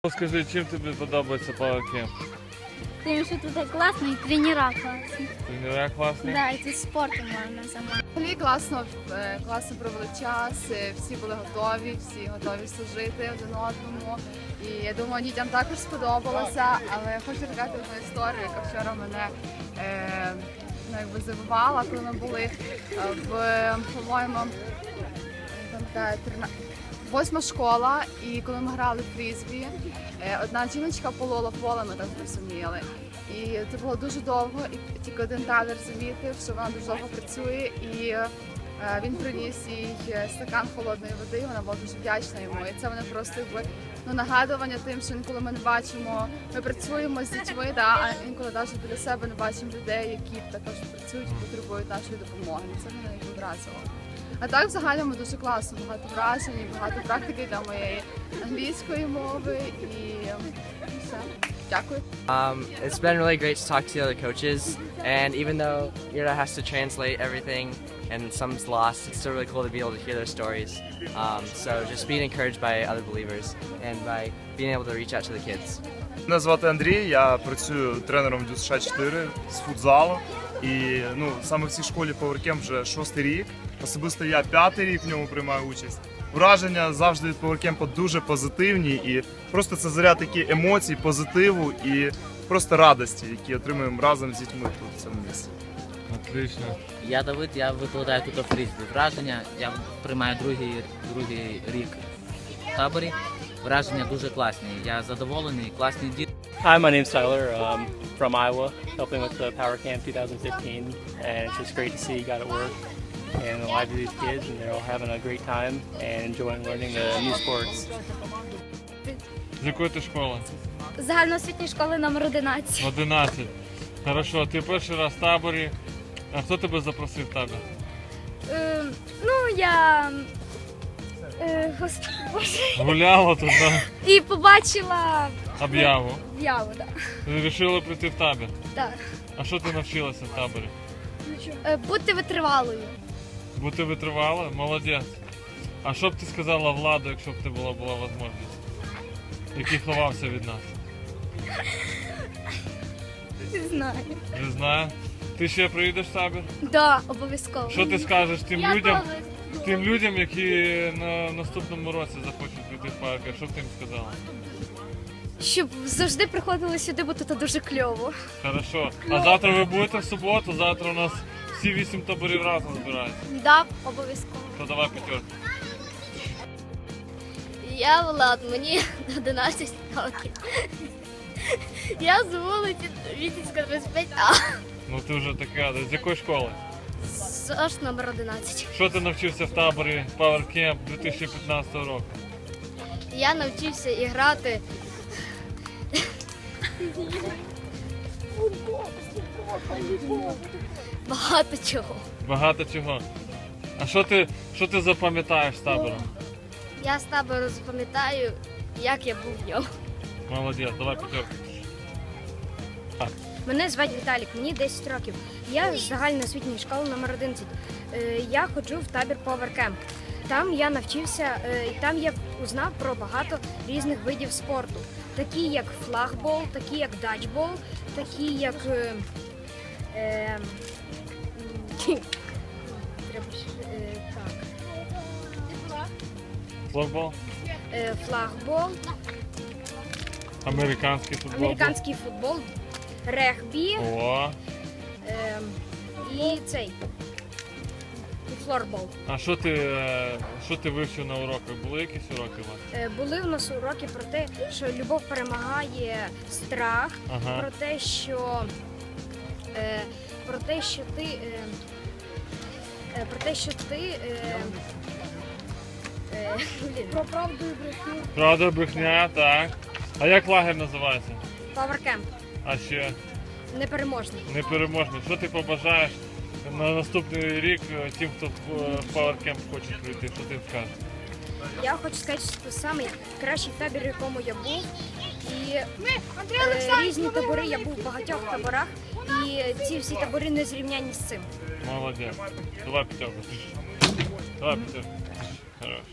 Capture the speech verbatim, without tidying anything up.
Скажи, чим тобі подобається PowerCamp? Тим, що тут класно і тренера класні. Тренера класні? Да, і тут спортом можна займатися. Взагалі класно, е, класно провели час, е, всі були готові, всі готові служити один одному. І я думаю, дітям також сподобалося, але хочу розказати одну історію, яка вчора мене е, ну, якби здивувала, коли ми були е, в, по-моєму, пам'ятаю, восьма школа, і коли ми грали в фрізбі, е, одна жіночка полола поле, ми так зрозуміли. І це було дуже довго, і тільки один тренер замітив, що вона дуже довго працює, і е, він приніс їй стакан холодної води, і вона була дуже вдячна йому. І це мене просто якби ну, нагадування тим, що інколи ми не бачимо, ми працюємо з дітьми, да, а інколи навіть біля себе не бачимо людей, які також працюють і потребують нашої допомоги. Це мене якби вразило. А так взагалі ми дуже класно, багато вражень, і багато практики для моєї англійської мови і все. Дякую. Um, it's been really great to talk to the other coaches, and even though Ira has to translate everything and some's lost, it's still really cool to be able to hear their stories. Um, so just being encouraged by other believers and by being able to reach out to the kids. Мене звати Андрій, я працюю тренером Дю США чотири з футзалу. І ну, саме в цій школі PowerCamp вже шостий рік. Особисто я п'ятий рік в ньому приймаю участь. Враження завжди від PowerCamp дуже позитивні, і просто це заряд такі емоцій, позитиву і просто радості, які отримуємо разом з дітьми тут в цьому місці. Отлично. Я Давид, я викладаю тут у фрізбі. Враження, я приймаю другий, другий рік в таборі. Враження дуже класні. Я задоволений, класні діти. Hi, my name's Tyler um, from Iowa, helping with the Power Camp twenty fifteen, and it's just great to see you got it work and the lives of these kids, and they're all having a great time and enjoying learning the new sports. З якої ти школи? Загальноосвітньої школи номер одинадцять. одинадцять. Хорошо, ти перший раз в таборі. А хто тебе запросив в табір? Е, ну, я е, господи, Боже. Гуляла тут, да? І побачила Об'яву. об'яву, да. Вирішили прийти в табір. Так. А що ти навчилася в таборі? Е, бути витривалою. Бути витривала? Молодець. А що б ти сказала владу, якщо б ти була була можливість? Який ховався від нас? Не знаю. Не знаю. Ти ще приїдеш в табір? Да, обов'язково. Що ти скажеш тим Я людям, теж. тим людям, які на наступному році захочуть піти в парк? Що б ти їм сказала? Щоб завжди приходили сюди, бо тут дуже кльово. Хорошо. А завтра ви будете в суботу? Завтра у нас всі вісім таборів разом збираються. Да, обов'язково. То давай п'ятерку. Я Влад, мені одинадцять років. Я з вулиці Вітівська двадцять п'ять А. Ну ти вже така, з якої школи? ЗОШ номер одинадцять. Що ти навчився в таборі PowerCamp дві тисячі п'ятнадцятого року? Я навчився і грати. Багато чого. Багато чого. А що ти, що ти запам'ятаєш з табору? Я з табору запам'ятаю, як я був в ньому. Молодець, давай п'ятерку. Мене звати Віталік, мені десять років. Я з загальноосвітньої школи номер одинадцять. Е, Я ходжу в табір PowerCamp. Там я навчився, е, і там я узнав про багато різних видів спорту, такі як флагбол, такі як даджбол, такі як е, е, м, треба ще, е, так, Флорбол? е, флагбол, Американський футбол? американський футбол, регбі. О, Ем, і цей. І флорбол. а що ти, е, що ти вивчив на уроках? Були якісь уроки у вас? Е, Були в нас уроки про те, що любов перемагає страх, Ага. про те, що е, про те, що ти е, е, про те, що ти е, е, блін, про правду і брехню. Правда, брехня, так. А як лагерь називається? PowerCamp. А ще Непереможний. непереможний. Що ти побажаєш на наступний рік тим, хто в PowerCamp хоче прийти? Що ти їм скажеш? Я хочу сказати, що це самий кращий табір, в якому я був. І е, різні табори, я був в багатьох таборах, і ці всі табори не зрівняні з цим. Молодець. Давай п'ятерку. Давай п'ятерку. Хорош.